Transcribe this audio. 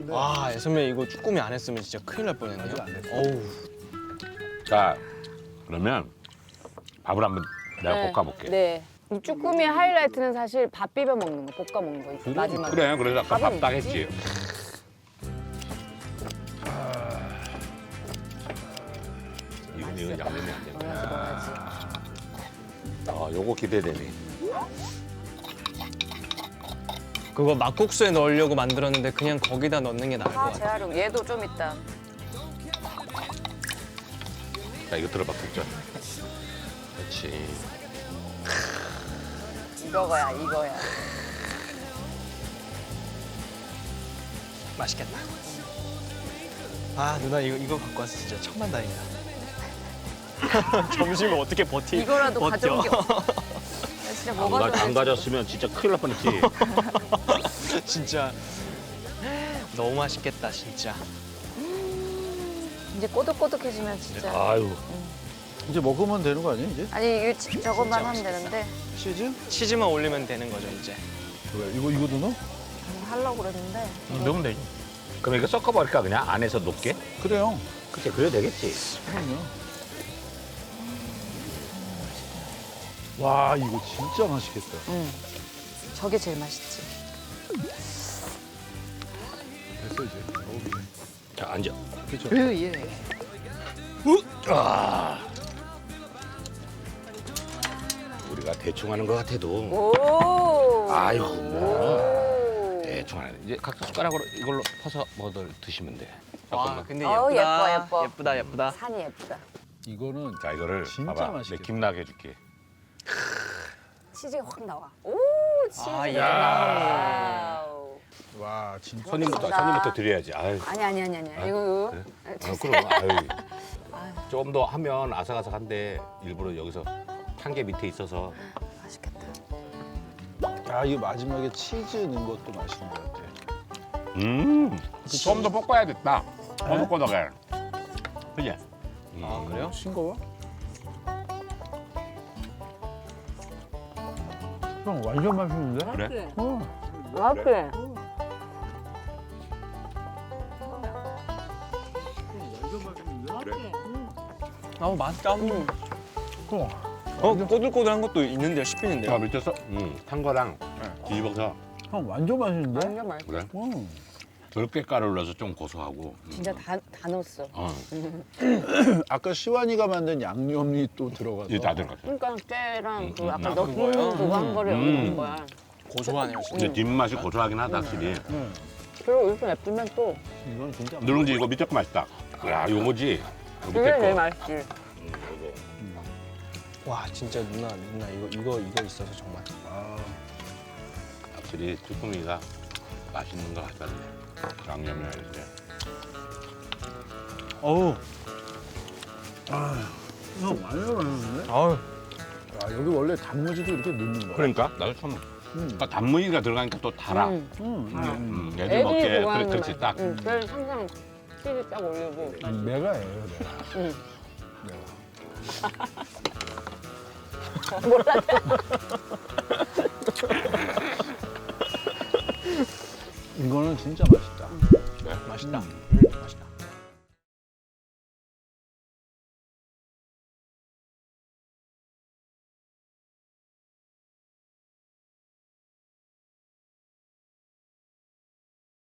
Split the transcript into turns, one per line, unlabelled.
와, 선배 이거 쭈꾸미 안 했으면 진짜 큰일 날 뻔했네요.
아직 안 됐어.
어우.
자, 그러면 밥을 한번 내가
네.
볶아볼게.
네. 이 쭈꾸미의 하이라이트는 사실 밥 비벼 먹는 거, 볶아 먹는 거 마지막에.
그래, 그래서 아까
밥은
밥 딱
있지?
했지. 이건 양념이 안 되네.
먹어야지.
요거 기대되네.
그거 막국수에 넣으려고 만들었는데 그냥 거기다 넣는 게 나을 것
아,
같아.
재활용. 얘도 좀 있다.
자, 이거 들어봐, 국자. 그렇지.
이거야, 이거야.
맛있겠다. 아, 누나 이거 갖고 와서 진짜 천만다행이다. 점심을 어떻게 버티?
이거라도
버텨.
가져온 게 없어. 나 진짜 뭐가
안 가졌으면 진짜 큰일 날 뻔했지.
진짜 너무 맛있겠다, 진짜.
이제 꼬득꼬득해지면 진짜.
아유.
이제 먹으면 되는 거 아니야 이제?
아니, 저것만
진짜
하면 되는데
치즈?
치즈만 올리면 되는 거죠, 이제.
그래 이거도 넣어?
하려고 그랬는데.
넣으면 되지.
그럼 이거 섞어버릴까, 그냥? 안에서 녹게?
그래요.
그치, 그래도 되겠지.
그럼요. 와 이거 진짜 맛있겠다.
응. 저게 제일 맛있지.
됐어 이제 먹으면 돼.
자, 앉아.
그렇죠.
예.
우리가 대충 하는 것 같아도.
오.
아이고, 뭐.
오.
대충 하네. 이제 각자 숟가락으로 이걸로 퍼서 뭐들 드시면 돼.
와,
잠깐만.
근데
어우,
예쁘다.
예뻐, 예뻐.
예쁘다, 예쁘다.
산이 예쁘다.
이거는
자, 이거를
진짜
봐봐.
맛있겠다.
내 김나게 해줄게.
치즈가 확 나와. 오, 치즈.
아, 예.
와우.
와 진짜
손님부터 드려야지. 아유.
아니. 이거.
그래? 그럼 아유. 좀 더 하면 아삭아삭한데 일부러 여기서 한개 밑에 있어서.
맛있겠다.
야 이거 마지막에 치즈 넣은 것도 맛있는 것 같아.
좀 더 볶아야겠다. 꼬덕꼬덕해. 그지?
아, 그래요?
싱거워? 형 완전 맛있는데?
그래?
맛있게.
아, 맛있다.
어,
꼬들꼬들한 것도 있는데요, 씹히는데요.
자, 밑에서 탄 거랑 뒤집어서
형 완전 맛있는데?
완전 맛있어.
그래?
응.
들깨가루를 넣어서 좀 고소하고.
진짜 다 넣었어.
아까 시완이가 만든 양념이 또 들어가서
이게 다 들어갔어.
그러니까 깨랑 그 아까
아,
넣은
그거요?
그거 한 거를 넣은 거야.
고소하네요, 진짜.
근데 뒷맛이 고소하긴 하다, 확실히.
그리고 이렇게 예쁘면 또
이건 진짜
누룽지 이거 밑에 거 맛있다. 야, 요거지. 요
그게
밑에
제일
거.
맛있지.
요거.
와, 진짜 누나 이거 있어서 정말.
아,
확실히 쭈꾸미가 맛있는 것 같았네. 양념이나 이렇게.
어우,
형 완전 맛있는데?
아우.
야, 여기 원래 단무지도 이렇게 넣는 거야.
그러니까 나도 처음. 그러니까 단무지가 들어가니까 또 달아.
응.
애들 먹게.
애들이
그래,
좋아하는
그렇지,
맛.
딱.
응. 그래서 항상 치즈 딱 올리고.
내가 해요, 내가.
응.
내가.
몰라.
이거는 진짜 맛있다.
네?
맛있다.